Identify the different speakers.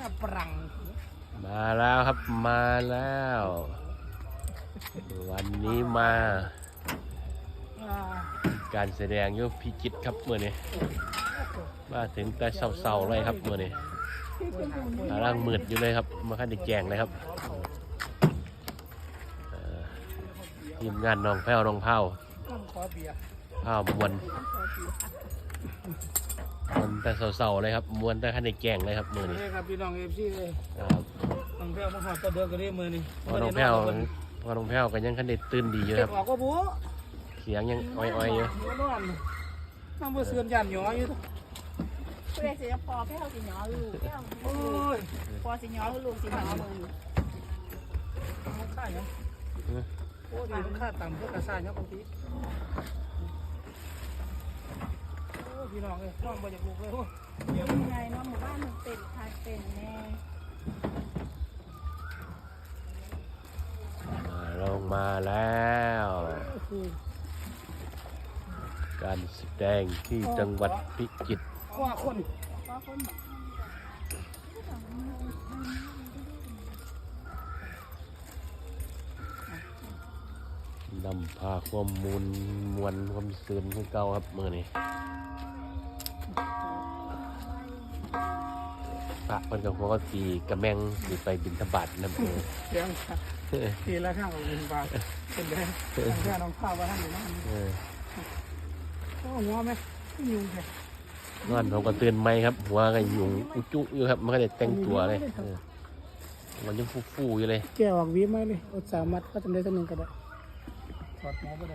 Speaker 1: ปรัง
Speaker 2: มาแล้วครับมาแล้ว วันนี้มาการแสดงยุพิจิตรครับเมื่อนี้มาถึงแต่เศร้าๆเลยครับเมื่อนี้ร่างมืดอยู่เลยครับมาขั้นแจงเลยครับทีมงานน้องแพ้วน้องเผาเผามวนแต่เศร้าๆเลยครับมวนแต่ขั้นแจงเลยครับเมื่อนี้
Speaker 1: ครับพี่น้องเอฟซีเลยน้องแพ้วมาหอดตัวเดือกกันได้เมื่อนี้
Speaker 2: พอน้องแพ้วก็ยังขั้นตื่นดีอยู่ครับ
Speaker 1: ออกก็บู๊
Speaker 2: เสียงยังอ้อยๆอยู่
Speaker 1: น้ำมือเสื่อมยันหยออยู่
Speaker 3: ผู้ใดสิพอแค่เขาสิหยอลูกแค่พอสิหยอลูกสิหยอมือ
Speaker 1: ค่าเนาะโอ้ดีค่าต่ำเพื่อกระซ่าเนาะบางทีพี่น้องเลยน้องมาจากลูกเลย
Speaker 3: ยังไงเนาะหมู่บ้านมันเป็นคาเป็นแน่
Speaker 2: ลงมาแล้วการแสดงที่จังหวัดพิจิตร
Speaker 1: ว่าคน
Speaker 2: นำพาความมวลความซื่นขึ้นเก่าครับเมื่อนี้พระคนกับหัวก็ตีกระแมงหรือไปบิณฑบาตนั่นเอง
Speaker 1: เสียงทีละข้างของบิณฑบาตเป็นแดงแค่น้องข้าวว่าท่านอยู่นั่นก็หัวไหมยุ่งเลย
Speaker 2: นอนผมก็ตื่นไหมครับหัวก็ยุ่งอุจุอยู่ครับมันก็ได้แต่งตัวเลยมันยังฟูๆอยู่เลย
Speaker 1: แกออกวีไหมเลยอดสามัดก็จำได้สักหนึ่งก็ได้ถอดหมอไป